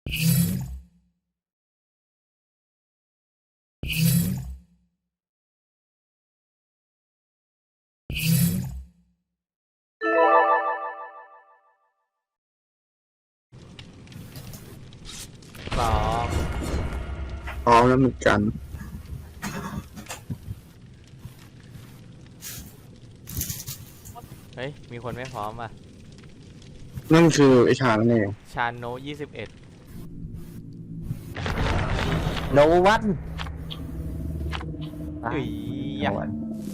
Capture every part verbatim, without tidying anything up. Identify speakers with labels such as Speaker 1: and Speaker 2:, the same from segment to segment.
Speaker 1: พร้อม
Speaker 2: พร้อมแล้วเหมือนกัน
Speaker 1: เฮ้ยมีคนไม่พร้อมอ่ะ
Speaker 2: นั่นคือไอ้ชานั่นเอง
Speaker 1: ชาโนยี่สิบเอ็ด
Speaker 3: โนวัน
Speaker 1: อุ้ยยะ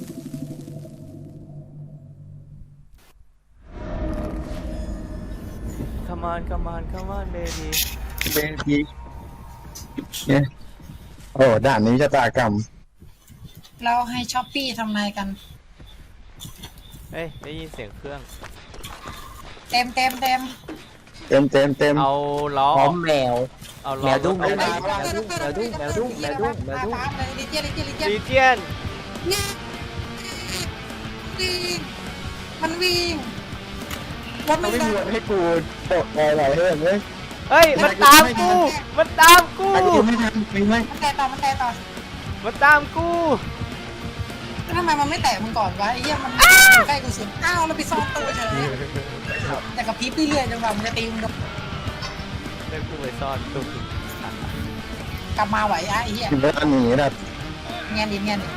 Speaker 1: come on come on come on baby
Speaker 2: เบทีเนี่ยโอ้ด่านนี้ชะตากรรม
Speaker 4: เราให้ช้อปปี้ทำไงกัน
Speaker 1: เฮ้ยได้ยินเสียงเครื่อง
Speaker 4: เต็มเต็มเต็ม
Speaker 2: เต็มเต็มเต็ม
Speaker 1: เอาล้อ
Speaker 3: พร้อมแมว
Speaker 1: เอาล้อ
Speaker 3: แมวดุ้ง
Speaker 1: เอา
Speaker 3: แมวดุ้งแมวดุ้งแมวดุ้งแมวดุ้งแมวดุ้ง
Speaker 4: ลิเจียนลิเจียนลิเจียน
Speaker 1: ลีเจียน
Speaker 4: วิ่งมันวิ่งรถ
Speaker 2: ไม่
Speaker 4: ไม่
Speaker 2: มี
Speaker 4: ได้
Speaker 2: วันให้กูตกอะไรให้เลย
Speaker 1: เฮ้ยมันตามกูมันตามกู
Speaker 2: ไอ้กูไม่ทันไม่ไม่
Speaker 4: มันแตะต่อมันแตะต่อ
Speaker 1: มันตามกู
Speaker 4: แล้วทำไมมันไม่แตะมึงก่อนวะไอ้เหี้ยมันใกล้กูสุดอ้าวเราไปซ่อนตัวเฉยแต่กับพีบเรื่อยๆจนกว่ามันจะตีมึง
Speaker 1: เล่นกูไปซ่อนตุ๊ก
Speaker 4: กลับมาไหวอ่ะไอ้เหี้ย
Speaker 2: ถึงเวลาหนีนะ
Speaker 4: แงนดินแงนดิน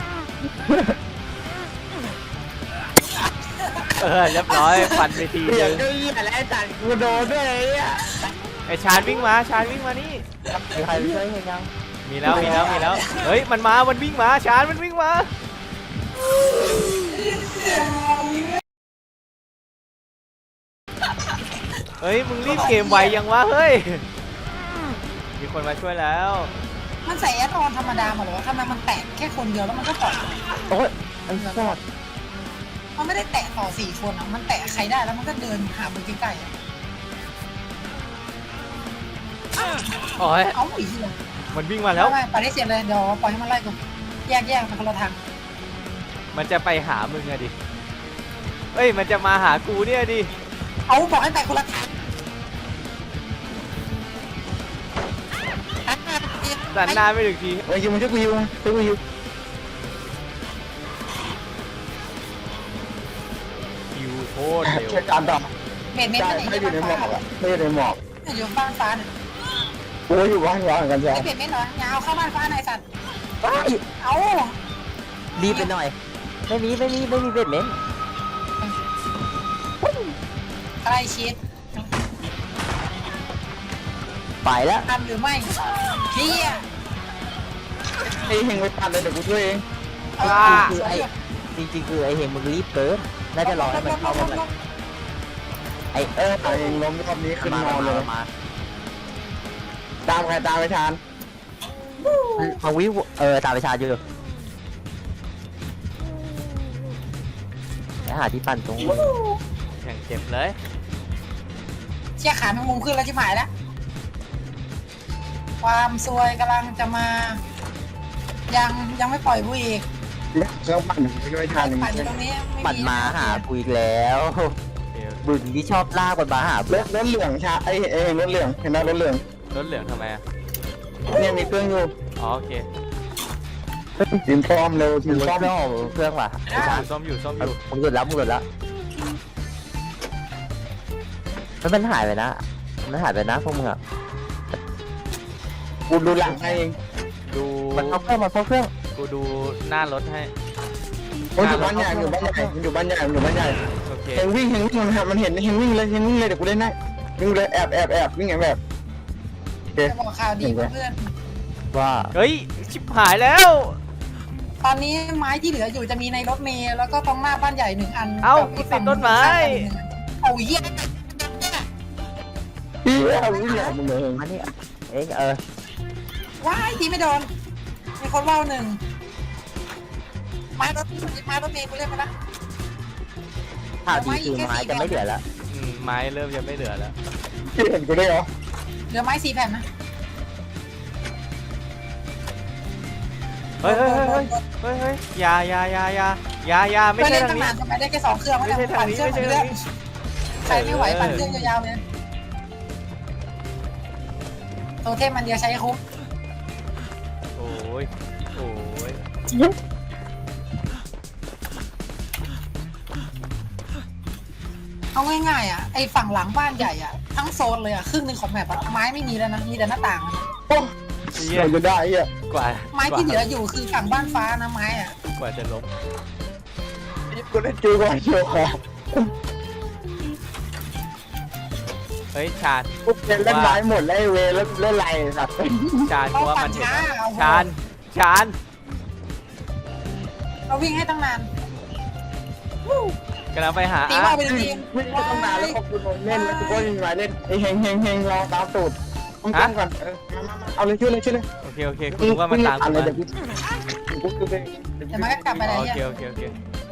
Speaker 1: เออเรียบร้อยฟันไปที
Speaker 2: เปลี่ย
Speaker 1: นึ
Speaker 2: น
Speaker 1: ง
Speaker 2: ก็ยี่อะไรจัดกูโดนด้วยไอ้เนี่ย
Speaker 1: ไอชานวิ่งมาชานวิ่งมานี่
Speaker 3: มีใครช่วยยัง
Speaker 1: มีแล้วมีแล้วมีแล้วเฮ้ยมันมามันวิ่งมาชานมันวิ่งมาเฮ้ยมึงรีบเกมไวยังวะเฮ้ยมีคนมาช่วยแล้ว
Speaker 4: มันใส่แอดออนธรรมดามาหรอทำไมมันแตะแค่คนเดียวแล้วมันก็ปล่อย
Speaker 3: โอ้ยไอ้ซอด
Speaker 4: มันไม่ได้แตะต่อสี่คนอ่ะมันแตะใครได้แล้วมันก็เดินหามือใกล้ๆอ่ะ
Speaker 1: โอ้ย
Speaker 4: เอาอีกทีเลย
Speaker 1: มันวิ่งมาแล้ว
Speaker 4: ไม่ไปได้เสร็จเลยเดี๋ยวปล่อยให้มันไล่กูแยกแยกไปคนละทาง
Speaker 1: มันจะไปหามึงอะดิเอ้ยมันจะมาหากูเนี่ยดิ
Speaker 4: เอาบอกให้ไปคนละทาง
Speaker 1: สันหน้าไม่ถึงที
Speaker 2: ไอ้ยูมันช่วยกูยูช่วยกูยู
Speaker 1: คิวโคตรเร็ว
Speaker 2: ช่วยการดับ
Speaker 4: เม็ดเม็ด
Speaker 2: ใช่
Speaker 4: ไม่ไหน
Speaker 2: ไม่อยู่ในหมอกอ่ะไม่อยู่ในหมอก
Speaker 4: อยู่บ้านฟ้าเนี่ย
Speaker 2: กูอยู่บ้านร้างกันจ้ะ
Speaker 4: ไอ้เม็ดเม็ดเหรอยาวเข้าบ้านฟ้าในสัตว์
Speaker 3: ว้าย
Speaker 4: เอา
Speaker 3: รีบไปหน่อยไม่มีไม่มีไม่มีเบ็ดเม้น
Speaker 4: ใกล้ชิด
Speaker 3: ไปแล้ว
Speaker 4: ทำหรือไม่เฮีย
Speaker 2: ไอ้เฮงไปตัดเลยเดี๋ยวกูช่วยเอง
Speaker 3: คือไอ้จริงๆคือไอ้เฮงมึงรีบเกินน่าจะรอให้มันเข้ามาแบบไอ้
Speaker 2: เออไอ้เฮงล้มรอบนี้ขึ้น
Speaker 3: มาน
Speaker 2: อนเลย
Speaker 3: มา
Speaker 2: ตามใครตามไปทาน
Speaker 3: มาวิวเออตามไปชาอยู่ไปหาที่ปั่นตรง
Speaker 1: อย่างเจ็บเลย
Speaker 4: เชี่ยขาแมงมุมขึ้นแล้วชิบหายแล้วความซวยกำลังจะมา ยังยังไม่ปล่อยกูอีก
Speaker 2: เครื่องปั่นช่วยทาน
Speaker 4: ปั่นอยู่ตรงนี้ไม่
Speaker 3: ปั่นมาหากูอีกแล้ว
Speaker 1: เดี๋ยว
Speaker 3: บึงที่ชอบลากมันมาหาร
Speaker 2: ถรถเหลืองชาไอ้ไอ้รถเหลืองเห็นไหมรถเหลือง
Speaker 1: รถเหลืองทำไมอะ
Speaker 2: เนี่ยมีเครื่องอยู่
Speaker 1: อ๋อโอเค
Speaker 2: ทีมพร้อมเร็วที
Speaker 3: มึ
Speaker 2: ม
Speaker 3: ง
Speaker 2: พร้อม
Speaker 3: เครื่องเครื่องว่ะไอ้ชา
Speaker 1: ส้มอยู่ส้มอยู่
Speaker 3: มึงหลุดแล้วมึงหลุดแล้วมันมันหายไปนะมันหายไปนะพวกมึงอ่ะ
Speaker 2: กูดูหลังให้เอง
Speaker 1: ดู
Speaker 3: มันเข้าเครื่องมันเข้าเครื่อง
Speaker 1: กูดูหน้ารถให้
Speaker 2: มันอยู่บ้านใหญ่อยู่บ้านใหญ่มันอยู่บ้านใหญ่มันอยู่บ้านใหญ่
Speaker 1: โอเค
Speaker 2: เฮงวิ่งเฮงวิ่งมันมันเห็นเฮงวิ่งเลยเฮงวิ่งเลยเดี๋ยวกูเล่นได้วิ่งเลยแอบแอบแอบวิ่งแอบแอบโอเค
Speaker 4: จะบอกข่าวดีเพื่อน
Speaker 3: ว่า
Speaker 1: เฮ้ยชิบหายแล้ว
Speaker 4: ตอนนี้ไม้ที่เหลืออยู่จะมีในรถเมล์แล้วก็ตรงหน้าบ้านใหญ่หนึ่งอัน
Speaker 1: เอ้า
Speaker 4: กับ
Speaker 1: กูติดต้นไม้
Speaker 4: โอ้ยเหี้ย
Speaker 2: พี่เอาวิ่งแอบมึงเลย
Speaker 3: อันนี้เอ้ยเออ
Speaker 4: ว้ายทีไม่โดนมีคนว่าวหนึ่งไม้รถไม้รถเมล์กูเล่นไปละ
Speaker 3: ข่าวดีคือไม้จะไม่เหลือแล้ว
Speaker 1: อืมไม้เริ่มจะไม่เหลือแล้ว
Speaker 2: พี่เห็นกูได้เหรอ
Speaker 4: เหลือไม้สี่แผ่นนะ
Speaker 1: เฮ้ยเฮ้ยเฮ้ยเฮ้ยเฮ้ยอยาอยาอยาอยาอยาอยาไม่
Speaker 4: ไม่
Speaker 1: ใช่
Speaker 4: เล่น
Speaker 1: ทาง
Speaker 4: ตั้ง
Speaker 1: นี้
Speaker 4: นานทำไมได้แค่สองเครื่อง
Speaker 1: ไม่ใช่ทางนี้ไม่ใช่ทางนี้
Speaker 4: ใครไม่ไหวปั่นเครื่องยาวๆเลยโทเทมมันเดียวใช้คุ้ม
Speaker 1: โอ้ยโอ้ย
Speaker 4: เอาง่ายๆอ่ะไอฝั่งหลังบ้านใหญ่อ่ะทั้งโซนเลยอ่ะครึ่งหนึ่งของแมปอะไม้ไม่มีแล้วนะมีแต่หน้าต่างอะ
Speaker 2: โอ้
Speaker 1: เหี้ย
Speaker 2: เราจะได้เหี้ย
Speaker 1: กว่า
Speaker 4: ไม้ที่เหลืออยู่คือฝั่งบ้านฟ้านะไม้อ่ะ
Speaker 1: กว่าจะล้ม
Speaker 2: กูได้จูก่อนโชว์ของ
Speaker 1: เฮ้ยชาญ
Speaker 2: กูเป็นเล่นไม้หมดแล้วไอ้เวรแล้วเล่นไรสัตว์
Speaker 1: ชาญ
Speaker 4: เรา
Speaker 1: กูว่า
Speaker 4: ปั่
Speaker 1: มัน นเห็น
Speaker 4: ช้า
Speaker 1: แล้ว
Speaker 4: เอา
Speaker 1: ชาญชาญ
Speaker 4: เราวิ่งให้ตั้งนาน
Speaker 1: กำลังไปหา
Speaker 4: ตี
Speaker 1: อา
Speaker 4: ว่า
Speaker 1: ร์ต
Speaker 4: เป็นทีม
Speaker 2: วิ่งไปตั้งนานแล้วพอกูโดนเล่นแล้วกูก็ยิงไม้เล่นไอ้เฮงเฮงเฮงรอตามตูดต้องต้องก่อนเออมามามาเอาเลยช่วยเลยช่วยเลย
Speaker 1: โอเคโอเคกูรู้ว่ามันตาม
Speaker 2: กู
Speaker 1: กู
Speaker 2: เล
Speaker 1: มาย
Speaker 2: เดี๋ยวกูกูกูไป
Speaker 4: เดี๋ยวมันก็กลับไปได้
Speaker 1: โอ
Speaker 4: เหี้
Speaker 1: เค
Speaker 4: ย
Speaker 1: โอเคโอเค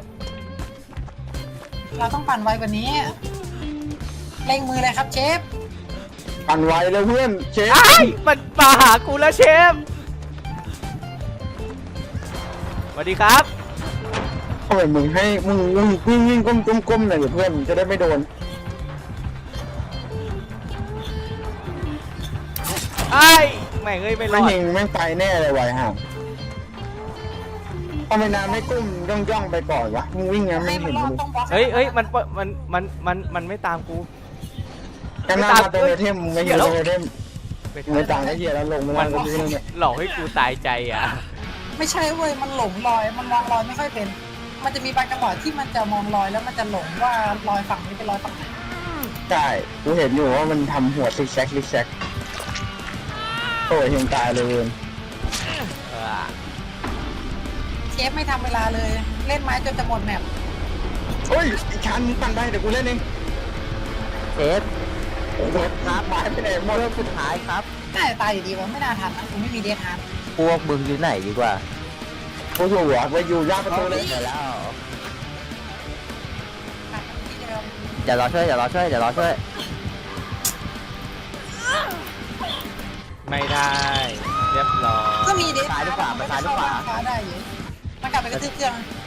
Speaker 4: เราต้องปั่นไวกว่านี้เร่งมือเลยครับเชฟ
Speaker 2: ปั่นไวเลยเพื่อนเชฟ
Speaker 1: ไอ้ายมันมาหากูแล้วเชฟสวัสดีครับ
Speaker 2: ทำไมมึงให้มึงมึงวิ่งวิ่งก้มก้มก้มหน่อยเดี๋ยวเพื่อนจะได้ไม่โดน
Speaker 1: ไอ้ายแม่งเอ้ยไม่ร
Speaker 2: ไม่
Speaker 1: อด
Speaker 2: เฮงแม่งไปแน่เลยไวห่าทำไมนานไม่ก้มย่องย่องไปก่อนวะมึงวิ่งงั้น
Speaker 4: ให้
Speaker 2: ไม่
Speaker 4: มัน
Speaker 2: เห็น
Speaker 4: รอด
Speaker 2: เลย
Speaker 4: ต้องบล็อก
Speaker 1: เฮ้ยเฮ้ยมันมันมันมันมันมันไม่ตามกู
Speaker 2: กันหน้ามาตรงเทมมึงไม่เห็นตรงเทม
Speaker 1: ไม่
Speaker 2: ไม่ต่างก็เหี้ยแล้วลงมา
Speaker 1: มัน
Speaker 2: แล้วก็เนี่ย
Speaker 1: หลอกให้กูตายใจอ่ะ
Speaker 4: ไม่ใช่เว้ยมันหลงรอยมันมองรอยไม่ค่อยเป็น มันจะมีบางจังหวะที่มันจะมองรอยแล้วมันจะหลงว่ารอยฝั่งนี้เป็นรอยฝั่งไหน
Speaker 2: ใช่กูเห็นอยู่ว่ามันทำหัวซิกแซกซิกแซกโอ้ยเฮงตายเลยเว้ย
Speaker 1: เออ
Speaker 4: เชฟไม่ทำเวลาเลยเล่นไม้จนจะหมดแมป
Speaker 2: เฮ้ยไอ้ชันมึงปั่นไปเดี๋ยวกูเล่นเอง
Speaker 3: เซฟ
Speaker 2: โอ้โหครับหายไปไหนหมด
Speaker 3: เรื่องสุดท้ายครับ
Speaker 4: น่าจะตายอยู่ดีวะไม่น่าทันนะกูไม่มีเดทฮาร์ด
Speaker 3: พวกมึงอยู่ไหนดีกว่า
Speaker 2: กูถูกหัวไปอยู่ย่างประตูเลย
Speaker 3: เดี๋ยวแล้ว
Speaker 4: กลับมาที่เดิม
Speaker 3: เดี๋ยวรอช่วยเดี๋ยวรอช่วยเดี๋ยวรอช่วย
Speaker 1: ไม่ได้เรียบร้อย
Speaker 4: ก็มีเดท
Speaker 3: ซ้ายหรือขวาไปซ้ายหรือขวา
Speaker 4: ฟ้าได้อยู่มันกลับไปกระทืบเครื่อง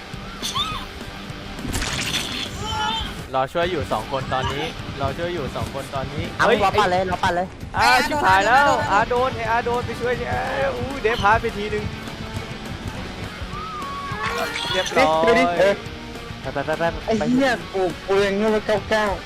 Speaker 1: รอช่วยอยู่สองคนตอนนี้รอช่วยอยู่สองคนตอนนี้
Speaker 3: เอา
Speaker 1: เฮ้ย
Speaker 3: รอปั่นเลยรอปั่นเลย
Speaker 1: อาชิบหายแล้วอาโดนไออาโดนไปช่วยเนี่ยอู้เดฟพาร์ไปทีนึงเรียบร้อย
Speaker 2: เดี๋ยวดิเออ
Speaker 3: ไปไปไปไป
Speaker 2: ไอ้เหี้ยกูกูยังเงี้ยมาเก้าเก้า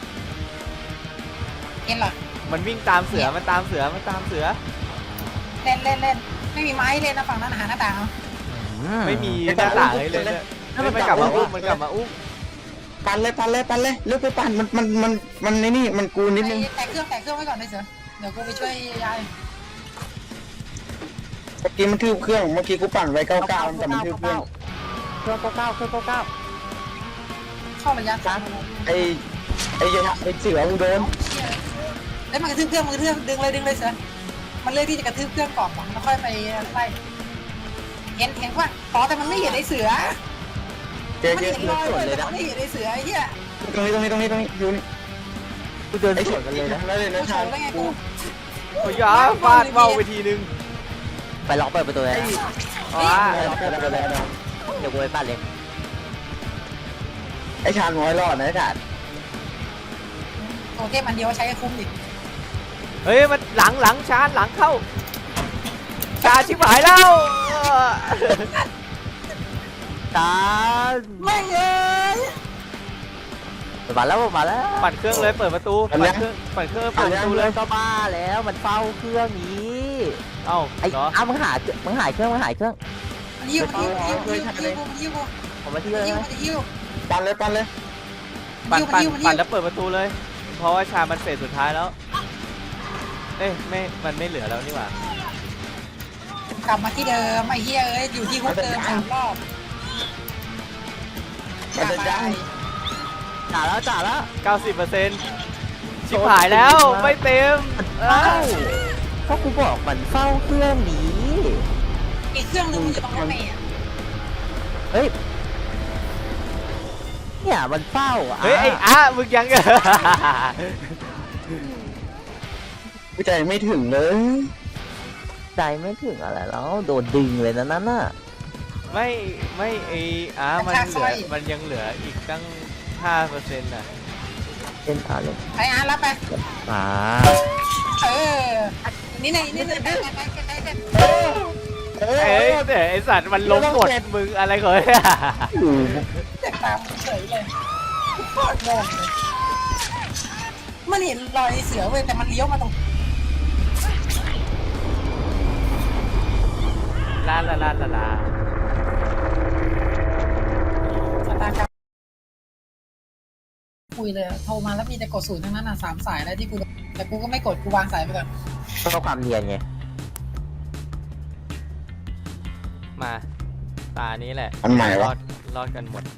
Speaker 4: เอ็นเหรอ
Speaker 1: มันวิ่งตามเสือมันตามเสือมันตามเสือ
Speaker 4: เล่นเล่นเล่นไม่มีไม้เล่นนะฝั่งนั้นหาหน้าต่างเอา
Speaker 1: ไม่มีหน้าต่างให้เลยเนี่ยเฮ้ยมันกลับมาอุ้มมันกลับมาอุ้ม
Speaker 2: ปั่นเลยปั่นเลยปั่นเลยเลือกไปปั่นมันมันมันมันในนี่มันกูนิดนึง
Speaker 4: แต่เครื่องแต่เครื่องไว้ก่อนเลยเสือเดี๋ยวกูไปช่วยยาย
Speaker 2: เมื่อกี้มันทืบเครื่องเมื่อกี้กูปั่นไว้เก้าเก้าแต่มันทืบเครื่อง
Speaker 3: เครื่องเก้าเก้าเครื่องเก้าเก้า
Speaker 4: เข้าระยะสั้น
Speaker 2: ไอ้ไอ้ไอ้เสือมึงโดน
Speaker 4: เล่นมันกระทืบเครื่องมันกระทืบดึงเลยดึงเลยเสือมันเลือกที่จะกระทืบเครื่องก่อนแล้วค่อยไปไล่เห็นเห็นว่าอ๋อแต่มันไม่เห็นไอ้เสือ
Speaker 2: เจ๊
Speaker 4: มัน
Speaker 2: เจ๊
Speaker 4: เห็นรอยเลยแต่มันไม่เห็นไอ้เสือไอ้เหี้ย
Speaker 2: ตรงนี้ตรงนี้ตรงนี้ตรงนี้อยู่นี่
Speaker 3: กูเดิน
Speaker 2: ไอ้
Speaker 3: ส
Speaker 2: เสื
Speaker 3: ว
Speaker 2: อน
Speaker 3: กันเลยนะ
Speaker 2: แล้วเลย
Speaker 4: กู
Speaker 2: นะ
Speaker 4: โฉ
Speaker 2: ชา
Speaker 4: บได้ไงกู
Speaker 1: โอ้ยาฟาดเบาไปทีนึง
Speaker 3: ไปล็อกเปิดประตูเลย
Speaker 1: อ๋อ
Speaker 3: เดี๋ยวกูไปปั่นเลย
Speaker 2: ไอ้ชาญน้อยรอดนะไอ้ชาญ
Speaker 4: โอเคมันเดียวใช้คุ้มดิ
Speaker 1: เฮ้ยมันหลังหลังชาร์จหลังเข้าชาชิบหายแล้ว
Speaker 3: ตาน
Speaker 4: ไม่เอ้ย
Speaker 3: มาแล้วมาแล้ว
Speaker 1: ปั่นเครื่องเลยเปิดประตูปั่นเครื่องปั่นเครื่องเปิดประตูเลย
Speaker 3: ก็บ้าแล้วมันเฝ้าเครื่องนี้
Speaker 1: เอ้า
Speaker 3: ไอ้
Speaker 1: เหรอ
Speaker 3: อ้ามึงหามึงหายเครื่องมึงหายเครื่อง
Speaker 4: มันยิ้วมันยิ้วมันยิ้วมันยิ้วมันยิ้ว
Speaker 3: ผมมาที่
Speaker 4: มัน
Speaker 3: เลย
Speaker 4: ยิ้ว
Speaker 3: นะ
Speaker 4: มันยิ้ว
Speaker 2: ปั่นเลยปั่นเลย
Speaker 1: ปั่นปั่น
Speaker 4: ยิ้วมันยิ้ว
Speaker 1: ปั่นแล้วเปิดประตูเลย เพราะว่าชามันเฟสสุดท้ายแล้วเอ้ยไม่มันไม่เหลือแล้วนี่หว่าก
Speaker 4: ลับมาที่เดิมไอ้เหี้ยเอ้ยอยู่ที่ฮุกเดิมสามรอบ
Speaker 2: มันจะยัง
Speaker 3: จ่าแล้วจ่าแล้ว
Speaker 1: เก้าสิบเปอร์เซ็นต์ชิบหายแล้วไม่เต็มเอ้า
Speaker 3: เพราะกูบอกมันเฝ้าเครื่องนี้
Speaker 4: อีกเครื่องนึงมันอยู่ตรงรถเมล์
Speaker 3: เฮ้ยเนี่ยมันเฝ้าอ่ะ
Speaker 1: เฮ้ยไอ้อามึงยัง
Speaker 2: กูใจไม่ถึงเลย
Speaker 3: ใจไม่ถึงอะไรแล้วโดนดึงเลยนะนั่นน่ะ
Speaker 1: ไม่ไม่ไอ้อามันเหลือมันยังเหลืออีกตั้งห้าเปอร์เซ็นต์น่ะ
Speaker 3: เป็นอะไร
Speaker 4: ไอ้อาร์ตรับไป
Speaker 3: อ่า
Speaker 4: เออนี่ไงนี่ไงไปไปไปไปไป
Speaker 2: เออ
Speaker 1: เอ้ยแต่ไอสัตว์มันล้มกดมึงอะไรก่อน
Speaker 4: แตกตามเฉยเลยโคตรงงเลยมันเห็นรอยเสือเว้ยแต่มันเลี้ยวมาตรง
Speaker 1: ลาลาลาลาลา
Speaker 4: สตาร์กรรมคุยเลยโทรมาแล้วมีแต่กดศูนย์ทั้งนั้นอ่ะสามสายแล้วที่กูแต่กูก็ไม่กดกูวางสายไปก่อน
Speaker 3: ก็ความเนียนไง
Speaker 1: มาตานี้แหละ
Speaker 2: อันใหม่
Speaker 1: ร
Speaker 2: วะ
Speaker 1: อดรอดกันหมด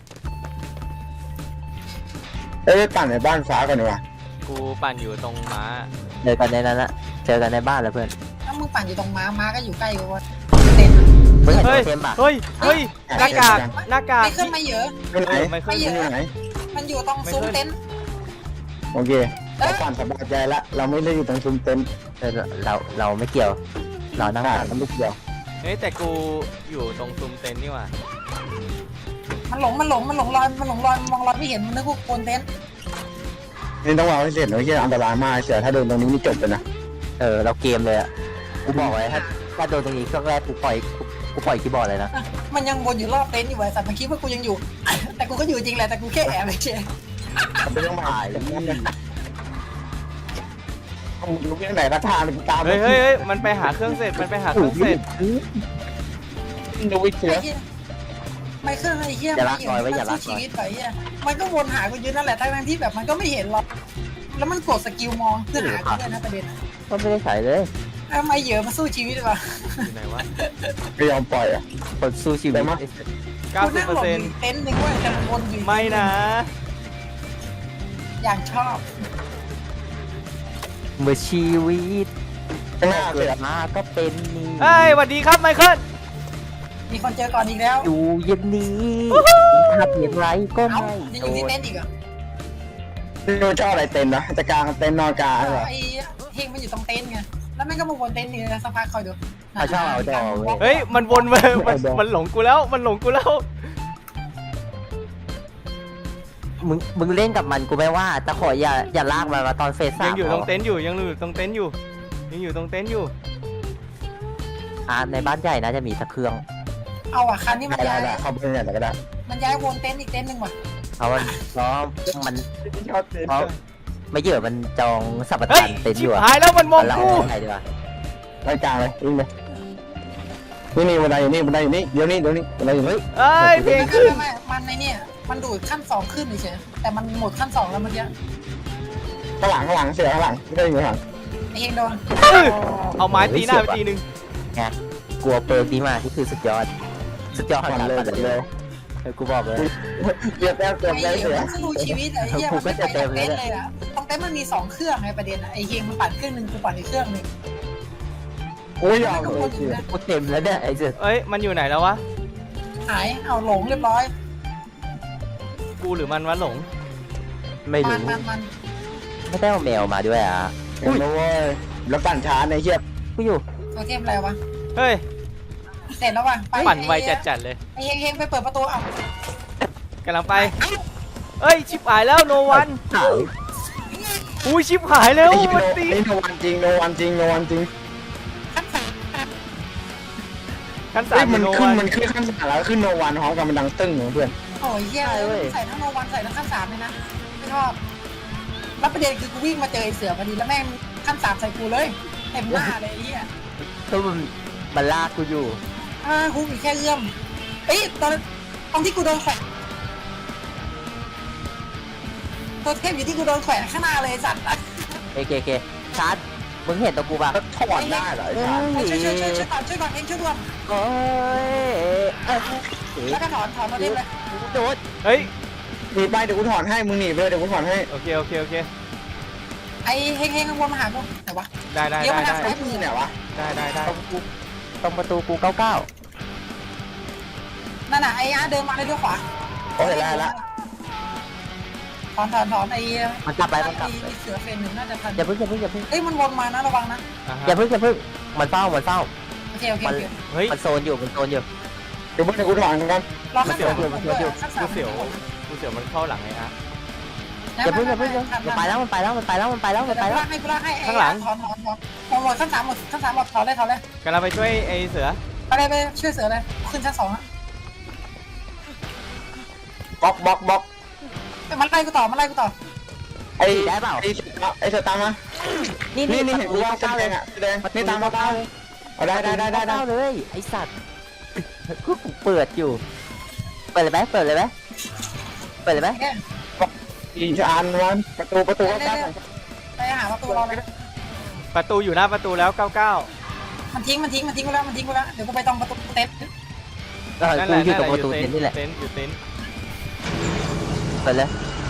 Speaker 2: เอ้ยไปปั่นในบ้านฟ้ากันดีกว่า
Speaker 1: กูปั่นอยู่ตรงม้า
Speaker 3: เจอกันในนั้นละเจอกันในบ้านแล้วเพื่อน
Speaker 4: ถ้ามึงปั่นอยู่ตรงม้าม้าก็อยู่ใกล้กูว่าเต็น
Speaker 3: เพื่อนเห็น
Speaker 1: เฮ้ย
Speaker 3: ตัวเทมป่ะ
Speaker 1: เฮ้ยเฮ้ยหน้ากากหน้ากาก
Speaker 4: ไม่ขึ้นมาเยอะ
Speaker 2: ไปไหน
Speaker 1: ไม่
Speaker 2: ไป
Speaker 1: ขึ้น
Speaker 2: ไหน
Speaker 4: มันอยู่ตรงซุ้มเต็นท์
Speaker 2: โอเคเราปั่นสบายใจละเราไม่ได้อยู่ตรงซุ้มเต็นท์
Speaker 3: เออเราเราไม่เกี่ยว เรานั่ง
Speaker 2: อ่า
Speaker 3: ปั่น
Speaker 2: เราไม่เกี่ยว
Speaker 1: เฮ้ยแต่กูอยู่ตรงซุ้มเต็นท์นี่หว่า
Speaker 4: มันหลงมันหลงมันหลงรอยมันหลงรอยมองรอยไม่เห็นมันนึกว่าโคนเต็นท์
Speaker 2: นี่ต้องวางให้เสร็จนะที่อันตรายมากเสียถ้าโดนตรงนี้นี่จบเลยนะ
Speaker 3: เออเราเกมเลยอะกูบอกไว้ถ้าถ้าโดนตรงนี้เครื่องแรกกูปล่อยกูกูปล่อยคีย์บอร์ดเลยนะ
Speaker 4: มันยังวนอยู่รอบเต็นท์อยู่ไอ้สัตว์มันคิดว่ากูยังอยู่ แต่กูก็อยู่จริงแหละแต่กูแค่แอบไปเฉย
Speaker 2: ไม่ต้องมาต้องรู้ที่ไหนราคาตาม
Speaker 1: เฮ้ยเฮ้ยเฮ้ยมันไปหาเครื่องเสร็จมันไปหาเครื่องเสร็จ
Speaker 2: ดูวิเชีย
Speaker 4: ไอ้เหี้ยไม่ขึ้นไอ้เหี้ยมันสู้ชีวิตไปเหี้ยมันก็วนหากูอยู่นั่นแหละทั้งที่แบบมันก็ไม่เห็นหรอกแล้วมันกดสกิลมองเพื่อหากูด้วยนะประเด็น
Speaker 3: ก็ไม่ได้ใส่เลย
Speaker 4: ทำไมเหยอะมาสู้ชีวิตวะ
Speaker 1: อยู่ไหนวะ
Speaker 2: ไม่ยอมปล่อยอ่ะ
Speaker 3: คนสู้ชีวิต
Speaker 1: เก้าสิบเปอร์เซ็นต์
Speaker 4: เต็นท์หนึ่งเว้ยแต่มันวนอยู่
Speaker 1: ไม่นะ
Speaker 4: อย่างชอบ
Speaker 3: เมื่อชีวิต
Speaker 2: ข้างหน้า
Speaker 3: เกิ
Speaker 2: เสีย
Speaker 3: ดมาก็เป็นนี่
Speaker 1: เฮ้ยสวัสดีครับไมเคิล
Speaker 4: มีคนเจอก่อนอีกแล้ว
Speaker 3: อยู่เย็นนี้ทำอย่างไรก็
Speaker 4: เอ้า
Speaker 3: ไม่
Speaker 4: ยังอ
Speaker 3: โด
Speaker 4: ยู่ที่
Speaker 3: น
Speaker 4: เต็นท์อีกเหรอ
Speaker 2: ดูเจ้าอะไรเต็นนะจะกลางเต็นนอนกลางเหรอ
Speaker 4: ไอ้เฮงมันอยู่ตรงเต็นท์ไงแล้วแม่งก็มาวนเต็นท์นี่นะสักพักคอยดู
Speaker 3: เขาชอบเอาดอกเว้ย
Speaker 1: เฮ้ยมันวนมามันมันหลงกูแล้วมันหลงกูแล้ว
Speaker 3: มึงมึงเล่นกับมันกูไม่ว่าแต่ขออย่าอย่าลากมันมาตอนเฟสสาม
Speaker 1: ยังอยู่ตรงเต็นท์อยู่ยังอยู่ตรงเต็นท์อยู่ยังอยู่ตรงเต็นท์อยู่
Speaker 3: อ่ะในบ้านใหญ่น่าจะมีสักเครื่อง
Speaker 4: เอาอ่ะคันนี้มัน
Speaker 2: ได้
Speaker 4: ย้าย
Speaker 2: ได้เข้าไปเนี่ยก็ได้
Speaker 4: มันย้ายวนเต็นท์อีกเต็นท์หนึ่งว่ะ
Speaker 3: เพราะมันเพราะมัน
Speaker 2: ชอบเต็น
Speaker 3: เพราะไม่เยอะมันจองสัป
Speaker 1: เฮ้
Speaker 3: ทาย นเต็นท์อ
Speaker 1: ชิบ
Speaker 3: ยู่อะ
Speaker 1: หายแล้วมันมอง
Speaker 3: เรา
Speaker 1: กู
Speaker 3: เอาไหนดีวะ
Speaker 2: รายกลางเลยวิ่งเลยนี่นี่บันไดอยู่นี่บันไดอยู่นี่เดี๋ยวนี้เดี๋ยวนี้บันไดอยู่นี่
Speaker 1: เอ้ยเพลง
Speaker 4: ไม่
Speaker 1: ขึ้น
Speaker 4: ไม่มันในเนี่ยมันดูดขั้นสองขึ้นเฉยแต่มันหมดขั้นสองแล้วเมื่อกี้
Speaker 2: ข้างหลังข้างหลังเสียข้างหลังไม่ได้อยู่ข้างหลัง
Speaker 4: ไอ้เฮงโดน
Speaker 1: อื้อเอาไม้ตีหน้าไปทีนึง
Speaker 3: กลัวเปิร์กนี้มาที่คือสุดยอด สุดยอด
Speaker 2: ผ่อน
Speaker 3: การ
Speaker 2: เลย
Speaker 3: ปั่น
Speaker 2: เลย
Speaker 3: เออกูบอกเลย
Speaker 2: เกียร์แต้มเติม
Speaker 4: ไอ้
Speaker 2: ได้
Speaker 4: เฮ
Speaker 2: เสีย
Speaker 4: งสู้ชีวิตไอ้เหี้ยมันไม่ไปตรงเต็นท์เลยอ่ะตรงเต็นท์มันมีสองเครื่องไงประเด็นอ่ะไอ้เฮงมันปั่นเครื่องหนึ่งกูปั่นอีกเครื่องหนึ่ง
Speaker 2: กูไม่ยอม
Speaker 4: ก็
Speaker 2: เล
Speaker 4: วย นอ
Speaker 2: เสี
Speaker 4: ยู่
Speaker 2: ย
Speaker 4: นะ
Speaker 3: กูเต็มแล้วเนี่ยไอ้เสือ
Speaker 1: เอ้ยมันอยู่ไหนแล้ววะ
Speaker 4: หายเอาหลงเรียบร้อย
Speaker 1: กูหรือมันวะหลง
Speaker 3: ไม่
Speaker 4: มั
Speaker 3: รู้
Speaker 4: นมันมัน
Speaker 3: ไม่ได้เอาแมวมาด้วยอ่ะ
Speaker 2: เห็นไหมเว้ยแล้วปั่นช้าในเชียบ
Speaker 3: กูอยู่
Speaker 4: ตัวเทมอะไรวะ
Speaker 1: เฮ้ย
Speaker 4: เสร็จแล้วว่ะไป
Speaker 1: ปั่นไวจัดๆเลย
Speaker 4: ไอ้เฮงเฮงไปเปิดประตูเอา
Speaker 1: กำลังไปเอ้ยชิบหายแล้วโนวัน
Speaker 3: หาย
Speaker 1: อุ้ยชิบหายแล้ว
Speaker 2: ไอ้โน
Speaker 1: มันตี
Speaker 2: ไอ้โนวันจริงโนวันจริงโนวันจริง
Speaker 4: ขั้นสาม
Speaker 1: ขั้นสา
Speaker 2: เฮ้ย
Speaker 1: ม
Speaker 2: มัน
Speaker 1: โน
Speaker 2: ขึ้
Speaker 1: วัน น
Speaker 2: มันขึ้นขั้นสามแล้วขึ้นโนวันพร้อมกันมันดังตึ้งเพื่อน
Speaker 4: โอ้ยเหี้ยใส่ทั้งโนวันใส่ทั้งขั้นสามเลยนะไม่ชอบแล้วประเด็นคือกูวิ่งมาเจอไอ้เสือพอดีแล้วแม่งขั้นสามใส่กูเลยเต็มหน้าเลยไอ้เหี้ย
Speaker 3: คือมันมันลากกูอยู่
Speaker 4: อ่ากูมีแค่เอื้อมเอ้ยตอนตอนที่กูโดนแขวนตัวเทพอยู่ที่กูโดนแขวนข้างหน้าเลยไอ้สัตว์
Speaker 3: โอเคโอเคชาร์จมึงเห็นตัวกูป่ะ
Speaker 2: แล้วถอดได้เหรอไอ้ชา
Speaker 3: เฮ้ย
Speaker 4: ช่วยช่วยช่วยช่วยก่อนช่วยก่อนเองช่วยด่วน
Speaker 3: โอ้ยเอ้ย
Speaker 4: แล้วก็ถอนถอนมาเล่นเลย
Speaker 3: โดด
Speaker 1: เฮ้ย
Speaker 2: หนีไปเดี๋ยวกูถอนให้มึงหนีไปเลยเดี๋ยวกูถอนให้
Speaker 1: โอเคโอเคโอเค
Speaker 4: ไอ้เฮงเฮงข้างบนมาหากูไหนวะ
Speaker 1: ได้ได้
Speaker 4: เดี๋ยว
Speaker 1: ได้
Speaker 4: มัน
Speaker 1: ได้
Speaker 4: หา
Speaker 2: ไอ้มึงเนี่ยวะ
Speaker 1: ได้ได้ได้
Speaker 3: ตรงกูตรงประตูกูเก้าเก้า
Speaker 4: นั่นน่ะไอ้อาเดินมาเลยด้วยขวา
Speaker 2: โอ้ยได้ละ
Speaker 4: ถอนถอนถอนไอ้
Speaker 3: มันกลับไปมันกลับ
Speaker 4: ไอ้เสือเฟรนหนึ่งน่าจะทัน
Speaker 3: อย่าเพิ่งอย่าเพิ่งอย่าเพิ่ง
Speaker 4: เอ้ยมันวนมานะระวังนะ
Speaker 1: อ่าฮะ
Speaker 3: อย่าเพิ่งอย่าเพิ่งมันเฝ้ามันเฝ้า
Speaker 4: โอเคโอเคโอเค
Speaker 1: เฮ้ย
Speaker 3: มันโซนอยู่มันโซนอยู่
Speaker 2: เดี๋ยวเพื่อนกูถอนกัน
Speaker 4: รอขั้นสาม
Speaker 3: มันเสียว
Speaker 4: ขั้นสาม
Speaker 1: กูเสียวกูเสียวมันเข้าหลังไงฮะ
Speaker 3: อย่าเพิ่งอย่าเพิ่งอย่าไปแล้วมันไปแล้วมันไปแล้วมันไปแล้วมันไป
Speaker 4: ไป
Speaker 3: แล้ว
Speaker 4: ลากให้กูลากให้ถอนถอนถอนถอนหมดขั้นสามหมดขั้นสามหมดถอนเลยถอนเลย
Speaker 1: กำลังไปช่วยไอ้เสือ
Speaker 4: ไปเลยไปช่วยเสือเลยขึ้นชั้นสองอะ
Speaker 2: บล็อกบล็อกบล็อก
Speaker 4: มันไล่กูต่อมันไล่กูต่อ
Speaker 2: ไอ้
Speaker 3: ได้เปล่า
Speaker 2: ไอ้ไอ้เสือตามมา
Speaker 3: นี่
Speaker 2: นี่
Speaker 3: นี่
Speaker 2: นี่เห็นกูว่าแดงอ่ะแดงนี่ตามมาตามได้ได้ได้ได้ได้
Speaker 3: เลยไอสัตว์กูเปิดอยู่เปิดเลยไหมเปิดเลยไหมเปิดเลยไหม
Speaker 4: เนี่ย
Speaker 2: อีชานวันประตูประตูก็ได้
Speaker 4: ไปหาประตูเราเลย
Speaker 1: ประตูอยู่หน้าประตูแล้วเก้าเก้า
Speaker 4: มันทิ้งมันทิ้งมันทิ้งกูแล้วมันทิ้งกูแล้วเดี๋ยวกูไปตรงประตูเต็นท์
Speaker 3: เออ
Speaker 1: นั่นแห
Speaker 3: กู
Speaker 1: ละ
Speaker 3: อยู่ตรงประตูเต็นท์นี่แหละ
Speaker 1: เต็นท์อยู่เต็นท์
Speaker 3: เปิดเลย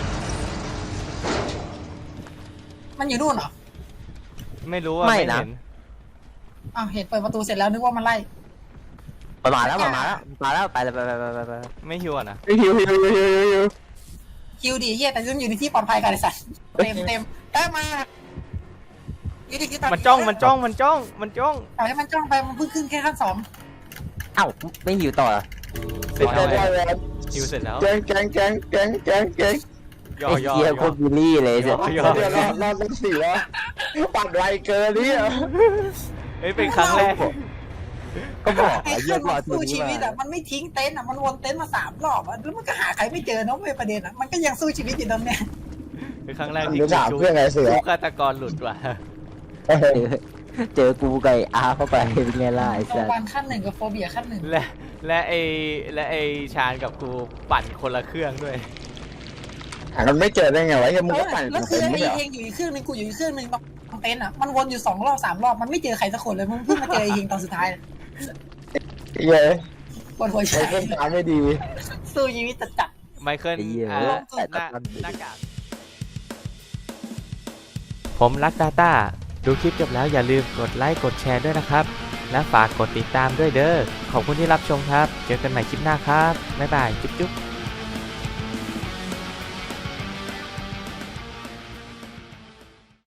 Speaker 4: มันอยู่นู่นเหรอ
Speaker 1: ไม่รู้ว่าไม่เห็น
Speaker 4: อ้าวเห็นเปิดประตูเสร็จแล้วนึกว่ามันไล่
Speaker 3: มันมาแล้วมันมาแล้วมาแล้วไปเลยไปไปไปไปไป
Speaker 1: ไม่หิวอ่ะนะ
Speaker 2: ฮิวฮิวฮิวฮิวฮิว
Speaker 4: คิวดีเฮียแต่ยังอยู่ในที่ปลอดภัยกันไอ้สัตว์เต็มเต็มเอ้ยมาอยู่ที่ที่ต
Speaker 1: มันจ้องมันจ้องมันจ้องมันจ้อง
Speaker 4: เอาให้มันจ้องไปมันเพิ่งขึ้นแค่ขั้นสอง
Speaker 3: เอ้าไม่หิวต่อ
Speaker 1: เสร็จ
Speaker 2: ได้
Speaker 1: แล้ว
Speaker 2: ได้
Speaker 1: ไง
Speaker 2: ได้
Speaker 1: หิวเสร็จแล้ว
Speaker 2: แกงแกงแกงแกงแกงแกง
Speaker 1: ย่อ
Speaker 3: ไอ้
Speaker 1: ย่อ
Speaker 3: เกีย
Speaker 1: ย่
Speaker 3: โค
Speaker 1: อ
Speaker 3: ตรบิลลี่เลยเสีย
Speaker 1: ย่อ
Speaker 2: เดี๋ยวรอรอเป็นสี่แล้วปัดไวเกินนี่อ่ะ
Speaker 1: เฮ้ยเป็นครั้งแรก
Speaker 3: ก็บอก
Speaker 4: ไอ้
Speaker 3: ไอ้
Speaker 4: เค
Speaker 3: เยี่
Speaker 4: รื่
Speaker 3: ย
Speaker 4: อง
Speaker 3: มรอ
Speaker 4: มัน
Speaker 3: ที
Speaker 4: สู้
Speaker 3: นี้
Speaker 4: ชีวิต
Speaker 3: มา
Speaker 4: อ่ะมันไม่ทิ้งเต็นท์อ่ะมันวนเต็นท์มาสามรอบอ่ะแล้วมันก็หาใครไม่เจอเนาะไม่ประเด็นอ่ะมันก็ยังสู้ชีวิตอยู่ตรงเนี้ย
Speaker 1: เป็นครั้งแรกที่
Speaker 2: เดี๋ยวถาม
Speaker 1: จุ๊
Speaker 2: เพื่อนไงเสือ
Speaker 1: จุ๊ฆาตกรหลุดว่ะ
Speaker 3: เจอเจอกูไก่อาเข้าไปเป็นไงล่ะไอ้
Speaker 4: โซ
Speaker 3: สัส
Speaker 4: วันขั้นหนึ่งกับโฟเบียขั้นหนึ่ง
Speaker 1: และและไอและไอชาญกับกูปั่นคนละเครื่องด้วย
Speaker 2: หากันไม่เจอได้ไงวะยังมึง
Speaker 4: เอ
Speaker 2: ก็
Speaker 4: อ
Speaker 2: ปั่น
Speaker 4: แล้ว
Speaker 2: กู
Speaker 4: คือ
Speaker 2: เป็น
Speaker 4: ไอ้
Speaker 2: ไม่เหรอ
Speaker 4: เองอยู่อีกเครื่องหนึงกูอยู่อีกเครื่องหนึงตรงเต็นท์อ่ะมันวนอยู่สองรอบสามรอบมันไม่เจอใครสักคนเลยมึงเพิ่งมาเจอไอ้เองตอนสุดท้าย
Speaker 2: เย้ย
Speaker 4: ปวดหัว
Speaker 2: ไอ้
Speaker 4: ใจ
Speaker 2: เพื่อนตามไม่ดี
Speaker 4: สู้ชีวิตจัดจัด
Speaker 1: ไมเคิล
Speaker 3: ไอ้เหี้ย
Speaker 1: อ่า
Speaker 3: แต่
Speaker 1: หน้า
Speaker 3: ตอน
Speaker 1: หน้ากากผมรักดาต้าดูคลิปจบแล้วอย่าลืมกดไลค์กดแชร์ด้วยนะครับ และฝากกดติดตามด้วยเด้อขอบคุณที่รับชมครับ เจอกันใหม่คลิปหน้าครับ บ๊ายบาย จุ๊บจุ๊บ